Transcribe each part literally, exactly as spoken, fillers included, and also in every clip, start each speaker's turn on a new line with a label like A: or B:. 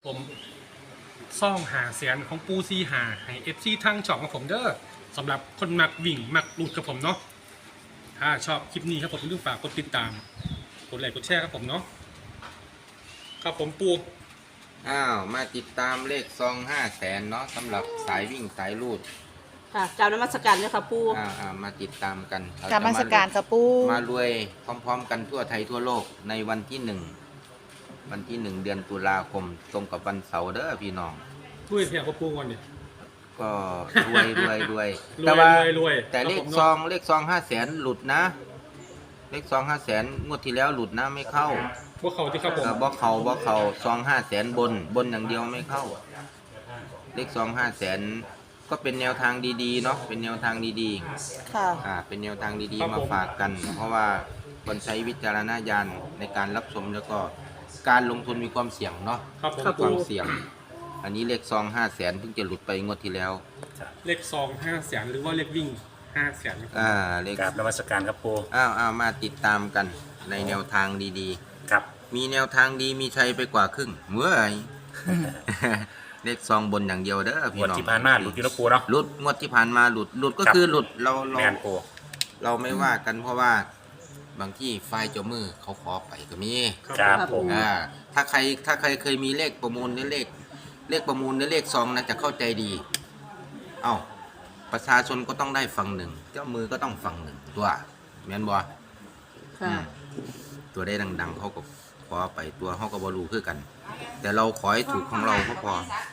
A: ผมซ่องหาเสียนของปูซีหาให้เอฟซีทั้งช่องของผมเด้อสำหรับคนมักวิ่งมักหลุดกับผมเนาะถ้าชอบคลิปนี้ครับผมอย่าลืมฝากกดติดตามกดไลค์กดแชร์ครับผมเนาะครับผมปู
B: อ้าวมาติดตามเลขซองห้าแสนเนาะสำหรับสายวิ่งสายลูด
C: ค่ะกราบนมัสการเนี่ยค่ะปู
B: อ่าอ่ามาติดตามกันเร
D: กรรมสการกับปู
B: มารวยพร้อมๆกันทั่วไทยทั่วโลกในวันที่หนึ่งวันที่หนึ่งเดือนตุลาคมตรงกับวันเสาร์เด้อพี่น้อง
A: ด้วยเพียงกับปูก่อนเนี่ย
B: ก็รวยรวยรวย
A: รวย
B: แต่ว่าร
A: วยรวย
B: แต่เล
A: ครั
B: ข
A: บผม
B: ซองเลขซองห้าแสนหลุดนะ เลขซองห้าแสนงวดที่แล้วหลุดนะไม่เข้า
A: พวกเขาที่ครับผม
B: เออบอกเขาบอกเขาซองห้าแสนบนบนอย่างเดียวไม่เข้า เลขซองห้าแสนก็เป็นแนวทางดีๆเนาะเป็นแนวทางดีๆ
D: ค่ะ
B: อ่าเป็นแนวทางดีๆมาฝากกัน เพราะว่าคนใช้วิจารณญาณในการรับชมแล้วก็การลงทุนมีความเสี่ยงเนาะ
A: ครับผม
B: มี
A: ปู
B: ความเสี่ยง อันนี้เลขซองห้าแสนเพิ่งจะหลุดไปงวดที่แล้ว
A: เลขซองห้าแสนหรือว่าเลขวิ่งห้าแสน
B: อ่าเลข
E: กราบนมัสการครับปู
B: อ้าวอ้าวมาติดตามกันในแนวทางดี
E: ครับ
B: ๆ มีแนวทางดีมีชัยไปกว่าครึ่งเมื่อย เลขซองบนอย่างเดียวเด้อพี่
E: วัน
B: น้อง
E: ที่ผ่านมาหลุดอยู่นะปูเนาะ
B: หลุดงวดที่ผ่านมาหลุดหลุดก็
E: ครับ
B: คือหลุดเราเรา
E: แมนปู
B: เราไม่ว่ากันเพราะว่าบางที่ไฟล์เจ้ามือเขาขอไปก็มี
E: ครับผม
B: อ่าถ้าใครถ้าใครเคยมีเลขประมูลในเลข เลขประมูลในเลขซองนะจะเข้าใจดี เอ้าประชาชนก็ต้องได้ฝั่งหนึ่ง เจ้ามือก็ต้องฝั่งหนึ่งตัวแม่นบ่
C: ค่ะ
B: ตัวได้ดังๆเขาก็ขอไปตัวเขาก็บรูคือกัน แต่เราขอให้ถูกของเราก็พอ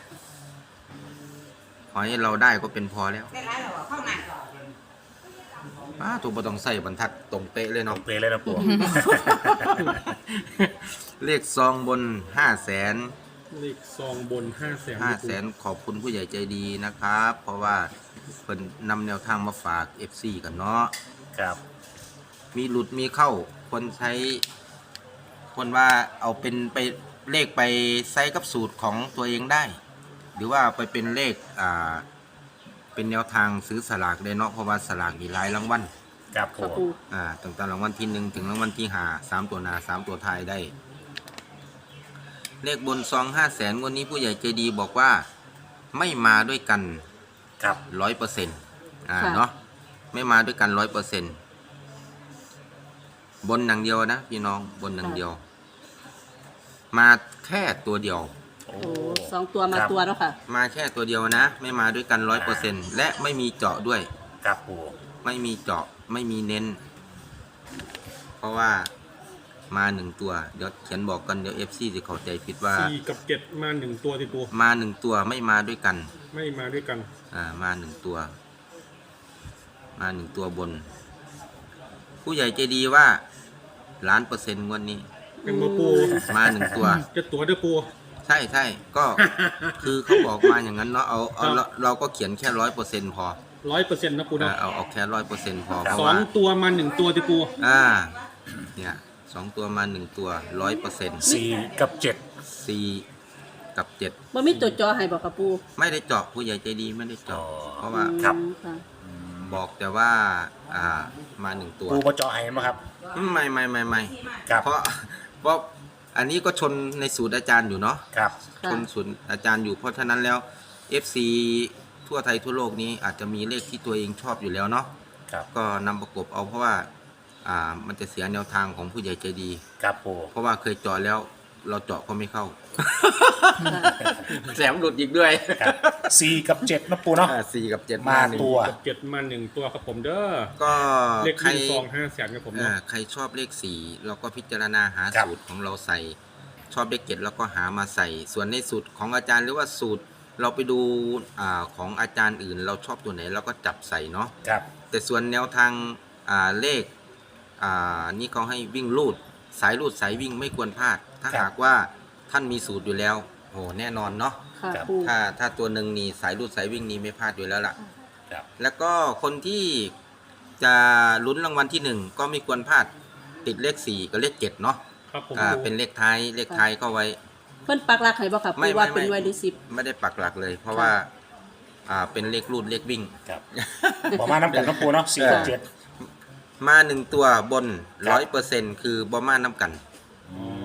B: ขอให้เราได้ก็เป็นพอแล้วป้าถูกบ่ต้องใส่บรรทัดตรงเป๊ะเลย
E: ต้อ
B: เนาะ
E: งเปลเลยนะปู
B: เลขซองบนห้าแสน
A: เลขซองบนห้าแสน
B: ห้าแสนขอบคุณผู้ใหญ่ใจดีนะครับ เพราะว่าเพิ่นนำแนวทางมาฝาก เอฟ ซี กันเนาะ
E: ครับ
B: มีหลุดมีเข้า คนใช้ คนว่าเอาเป็นไปเลขไปใช้กับสูตรของตัวเองได้ หรือว่าไปเป็นเลขอ่าเป็นแนวทางซื้อสลากได้เนาะเพราะว่าสลากมีหลายรางวัล
E: ครับ
C: ค่ะ
E: ปู
C: ปู
B: อ่าตั้งแต่รางวัลที่หนึ่งถึงรางวัลที่ห้าสามตัวหนาสามตัวท้ายได้ เลขบนซองห้าแสนวันนี้ผู้ใหญ่ใจดีบอกว่าไม่มาด้วยกัน
E: ครับ
B: ร้อยเปอร์เซ็นต์อ่าเนาะไม่มาด้วยกันร้อยเปอร์เซ็นต์บนอย่างเดียวนะพี่น้องบนอย่างเดียว มาแค่ตัวเดียว
E: โอ้
C: โอ้สองตัวมา
E: ครับ
C: ตัวแล้วค่ะ
B: มาแค่ตัวเดียวนะ ไม่มาด้วยกันร้อยเปอร์เซ็นต์และไม่มีเจาะด้วย
E: ครับปู
B: ไม่มีเจาะไม่มีเน้น เพราะว่ามาหนึ่งตัวเดี๋ยวเขียนบอกกันเดี๋ยวเอฟซีจะเข้าใจผิดว่า
A: สี่กับเจ็ดมาหนึ่งตัวที่ปู
B: มาหนึ่งตัวไม่มาด้วยกัน
A: ไม่มาด้วยกัน
B: อ่ามาหนึ่งตัว มาหนึ่งตัวบน ผู้ใหญ่ใจดีว่าล้านเปอร์เซ็นต์งวันนี้
A: เป็นมาปู
B: มาหนึ่งตัว
A: จะตัวเด้อปู
B: ใช่ใช่ก็ คือเขาบอกมาอย่างนั้นเนาะเอาเอาเราเราก็เขียนแค่ร้อยเปอร์เซ็นต์พอ
A: ร้อยเปอร์เซ็นต์นะปู
B: อ่า
A: เนาะ
B: เอาเอาแค่ร้อยเปอร์เซ็นต์พอเพราะ
A: สอ
B: ว่า
A: งตัวมาหนึ่งตัวที่ปู
B: อ่าเนี่ยสองตัวมาหนึ่งตัวร้อยเปอร์เซ็นต์
E: สี่กับเจ็ด
B: สี่กับเจ็ด
C: บ่มีตัวจอให้บอกค่ะปู
B: ไม่ได้เจาะผู้ใหญ่ใจดีไม่ได้เจาะเพราะว่า
E: ครับ
C: อืมค่ะ
B: บอกแต่ว่าอ่ามาหนึ่งตัว
E: ปูมาเจาะให้ไหมครับ
B: ไม่ไม่ไม่ไม่
E: ครับ
B: เพราะเพราะอันนี้ก็ชนในสูตรอาจารย์อยู่เนาะ
E: ครับ
B: ชนสูตรอาจารย์อยู่เพราะฉะนั้นแล้ว เอฟ ซี ทั่วไทยทั่วโลกนี้อาจจะมีเลขที่ตัวเองชอบอยู่แล้วเนาะ
E: ครับ
B: ก็นำประกบเอาเพราะว่าอ่ามันจะเสียแนวทางของผู้ใหญ่ใจดี
E: ครับปู
B: เพราะว่าเคยเจาะแล้วเราเจาะก็ไม่เข้า แสมหลุดอีกด้วย
E: ครับสี่กับเจ็ดนะปูเนาะ
B: อ่าสี่กับเจ็ด
E: มา
B: หนึ่ง
E: ตัว
A: กับเจ็ดมาหนึ่งตัวครับผมเด้อ
B: ก็
A: เลข
B: ใคร
A: วิ่งซองห้าแสนครับผม
B: อ่า
A: เนาะ
B: ใครชอบเลขสี่เราก็พิจารณาหา
E: ครับ
B: สูตรของเราใส่ ชอบเลขเจ็ดเราก็หามาใส่ ส่วนในสูตรของอาจารย์หรือว่าสูตรเราไปดูอ่าของอาจารย์อื่น เราชอบตัวไหนเราก็จับใส่เนาะ
E: ครับ
B: แต่ส่วนแนวทางอ่าเลขอ่านี่เขาให้วิ่งลูดสายลูดสายวิ่งไม่ควรพลาด ถ้า
E: ครับ
B: หากว่าท่านมีสูตรอยู่แล้วโอ้แน่นอนเนาะ
C: ค่ะ
E: ครับ
C: ปู
B: ถ้าถ้าตัวหนึ่งนี่สายลูดสายวิ่งนี่ไม่พลาดอยู่แล้วล่ะ
E: ครับ
B: แล้วก็คนที่จะลุ้นรางวัลที่หนึ่งก็ไม่ควรพลาดติดเลขสี่กับเลขเจ็ดเนาะ
A: ครับผม
B: อ่า
A: ปู
B: เป็นเลขท้ายเลขท้ายเข้าไว้
C: เพิ่นปักหลักให้บอกค่ะ
B: ไม่
C: ปูว่า
B: ไม่
C: เป็น
B: ไม่
C: ไวดิสิบ
B: ไม่ได้ปักหลักเลย เพราะว่าอ่าเป็นเลขรูดเลขวิ่ง
E: ครับบอกมาน้ำกันนะปูเนาะสี่กับเจ็ด
B: มาหนึ่งตัวบน
E: ครั
B: ร้อบ ยเปอร์เซ็นต์คือบอมาน้ำกัน
E: อืม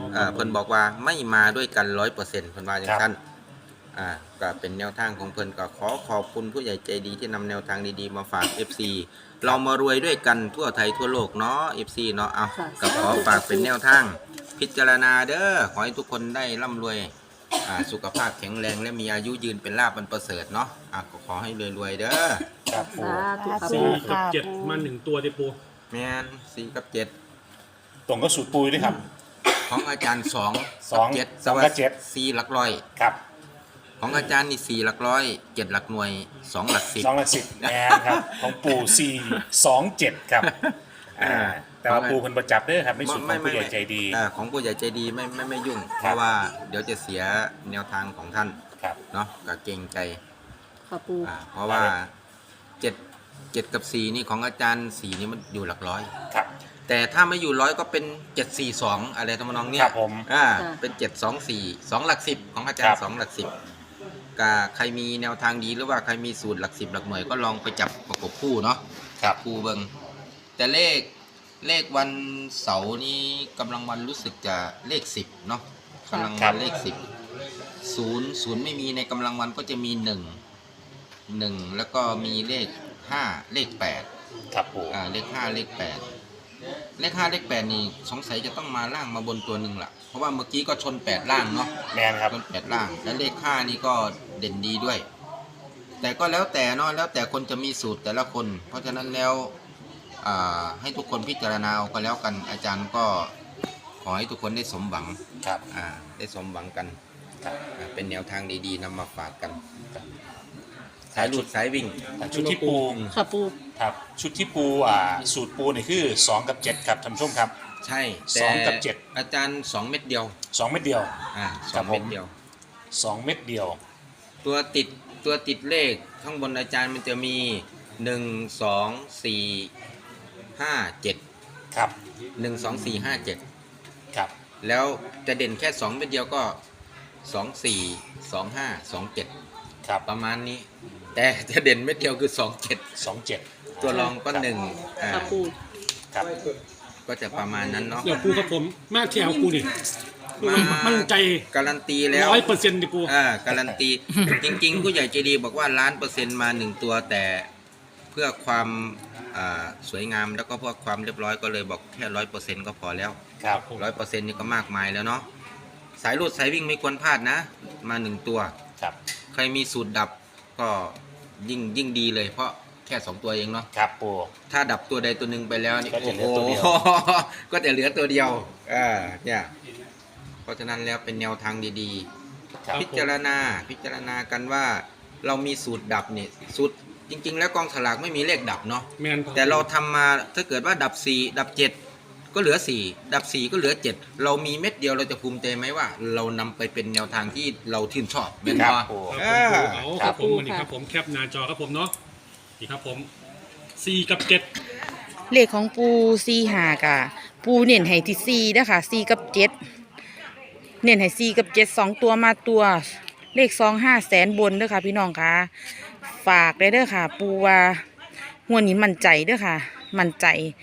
A: ม
B: เอ่อเพิ่นบอกว่าไม่มาด้วยกันร้อยเปอร์เซ็นต์เพิ่นว่าอย่างนั้นอ่าก็เป็นแนวทางของเพิ่นก็ขอขอบคุณผู้ใหญ่ใจดีที่นำแนวทางดีๆมาฝาก เอฟ ซี เรามารวยด้วยกันทั่วไทยทั่วโลกเนาะ เอฟ ซี เนาะเอา
C: ค่ะ
B: ก็ขอฝากเป็นแนวทางพิจารณาเด้อขอให้ทุกคนได้ร่ำรวยอ่าสุขภาพแข็งแรงและมีอายุยืนเป็นลาภอันประเสริฐเนาะอ่ะก็ขอให้รวยๆเด้อ
E: ครับปู
C: สาธุครับ
A: สี่
C: ปู
A: กับเจ็ดมาหนึ่งตัวดิปู
B: แม่นสี่กับเจ็ด
E: ตรงก็สูตรปูด้วยครับ
B: ของอาจารย์สอง
E: สอง
B: กับเจ็ด
E: สองกับเจ็ด
B: สี่หลักร้อย
E: ครับ
B: ของอาจารย์นี่สี่หลักร้อยเจ็ดหลักหน่วยสองหลักสิบ
E: สองละสิบแมนครับ ของปูสี่สองเจ็ดครับอ่าแต่ว่าปูเพิ่นประจับเด้อครับในสูตรของผู้ใหญ่ใจดี
B: อ่าของผู้ใหญ่ใจดีไม่ไม่ไม่ยุ่ง เพราะว่าเดี๋ยวจะเสียแนวทางของท่าน
E: ครับ
B: เนาะก็เกรงใจ
C: ค่ะปู
B: อ่าเพราะว่าเจ็ดเจ็ดกับสี่นี่ของอาจารย์สี่นี่มันอยู่หลักร้อย
E: ครับ
B: แต่ถ้าไม่อยู่ร้อยก็เป็นเจ็ดสี่สองอะไรทำนองเนี้
E: ค
B: ย
E: รับผม
B: อ่าเป็นเจ็ดสองสี่สองหลักสิบของอาจาร
E: ครั
B: ย์
E: บ
B: สองหลักสิบก็ใครมีแนวทางดีหรือว่าใครมีสูตรหลักสิบหลักหน่วยก็ลองไปจับประกบคู่เนาะ
E: ครับ
B: คู่เบิงแต่เลขเลขวันเสาร์นี้กำลังวันรู้สึกจะเลขสิบเนาะกำลังวันเลขสิบศูนย์ศูนย์ไม่มีในกำลังวันก็จะมีหนึ่งหนึ่งแล้วก็มีเลขห้าเลขแปด
E: ครับปู
B: อ่าเลขห้าเลขแปดเลขห้าเลขแปดนี่สงสัยจะต้องมาล่างมาบนตัวหนึ่งละเพราะว่าเมื่อกี้ก็ชนแปดล่างเนาะ
E: แมนครับ
B: ชนแปดล่างและเลขห้านี่ก็เด่นดีด้วย แต่ก็แล้วแต่เนาะแล้วแต่คนจะมีสูตรแต่ละคน เพราะฉะนั้นแล้วอ่าให้ทุกคนพิจารณาเอาก็แล้วกันอาจารย์ก็ขอให้ทุกคนได้สมหวัง
E: ครับ
B: อ่าได้สมหวังกัน
E: ครับ
B: อ่าเป็นแนวทางดีๆนำมาฝากกัน
E: สา
B: สาย ย
E: ห
B: ห
E: ลุ
B: ลุ
E: ด
B: ดสายวิ่ง
E: ชุดที่ปู
C: ค่ะปู
E: ครับชุดที่ปูอ่าสูตรปูนี่คือสองกับเจ็ดครับท่านผู้ชมครับ
B: ใช่
E: สองกับเจ็ด
B: อาจารย์สองเม็ดเดียว
E: สองเม็ดเดียว
B: อ่าส
E: ครั
B: อบ ง
E: ผม
B: เม็ดเดียว
E: สองเม็ดเดียว
B: ตัวติดตัวติดเลขข้างบนอาจารย์มันจะมีหนึ่งสองสี่ห้าเจ็ด
E: ครับ
B: หนึ่งสองสี่ห้าเจ็ด
E: ครับ
B: แล้วจะเด่นแค่สองเม็ดเดียวก็สองสี่สองห้าสองเจ็ด
E: ครับ
B: ประมาณนี้ แต่จะเด่นเม็ดเดียวคือสองเจ็ด
E: สองเจ็ด
B: ตัวรองก็หนึ่งอ่า
C: ค่ะปู
E: ครับ
B: ก็จะประมาณนั้นเนาะ
A: เดี๋ยวปูกับผมมาแถวปูนี่
B: มา
A: มั่นใจ
B: การันตีแล้ว
A: ร้อยเปอร์เซ็นต์ดิปู
B: อ่าการันตี จริงๆ ผู้ใหญ่ใจดีบอกว่าล้านเปอร์เซ็นต์มาหนึ่งตัวแต่เพื่อความอ่าสวยงามแล้วก็เพื่อความเรียบร้อยก็เลยบอกแค่ร้อยเปอร์เซ็นต์ก็พอแล้ว
E: ครับ
B: ร้อยเปอร์เซ็นต์นี่ก็มากมายแล้วเนาะสายรูดสายวิ่งไม่ควรพลาดนะ มาหนึ่งตัว
E: ครับ
B: ใครมีสูตรดับก็ยิ่งยิ่งดีเลย เพราะแค่สองตัวเองเนาะ
E: ครับปู
B: ถ้าดับตัวใดตัวหนึ่งไปแล้วนี่
E: ก็จะเหลือตัวเดียว
B: โอ้โห ก็จะเหลือตัวเดียวอ่าเนี่ยเพราะฉะนั้นแล้วเป็นแนวทางดี
E: ครับ
B: ๆ พิจารณาพิจารณากันว่าเรามีสูตรดับนี่สูตรจริง ๆ แล้วกองสลากไม่มีเลขดับเนาะ
A: แมน
B: แต่เราทำมาถ้าเกิดว่าดับสี่ดับเจ็ดก็เหลือสี่ดับสี่ก็เหลือเจ็ดเรามีเม็ดเดียวเราจะภูมิใจไหมว่า เรานำไปเป็นแนวทางที่เราชื่นชอบเป็น
E: ครับ
B: ว่า
E: ปู
A: ครับผมปูเอา
E: ค
A: ค
E: รั
A: รับ บผมวันนี้ครับผมแคปหน้าจอครับผมเนาะนี่ครับผมสี่กับเจ็ด
D: เลขของปูซีหากะปูเน้นให้ที่ซีนะคะซีกับเจ็ดเน้นให้ซีกับเจ็ดสองตัวมาตัว เลขสองห้าแสนบนเด้อค่ะพี่น้องค่ะฝากได้เด้อค่ะ ปูว่าหัวดนี้มั่นใจเด้อค่ะ มั่นใจ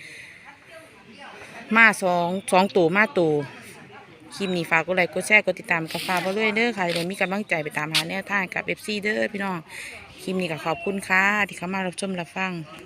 D: มาสองสองตัวมาตัวคลิปนี้ฝากกดไลค์กดแชร์กดติดตามกับฝากไปด้วยเด้อค่ะเดี๋ยวมีกำลังใจไปตามหาแนวทางกับเอฟซีเด้อพี่น้องคลิปนี้ก็ขอบคุณค่ะที่เข้ามารับชมรับฟัง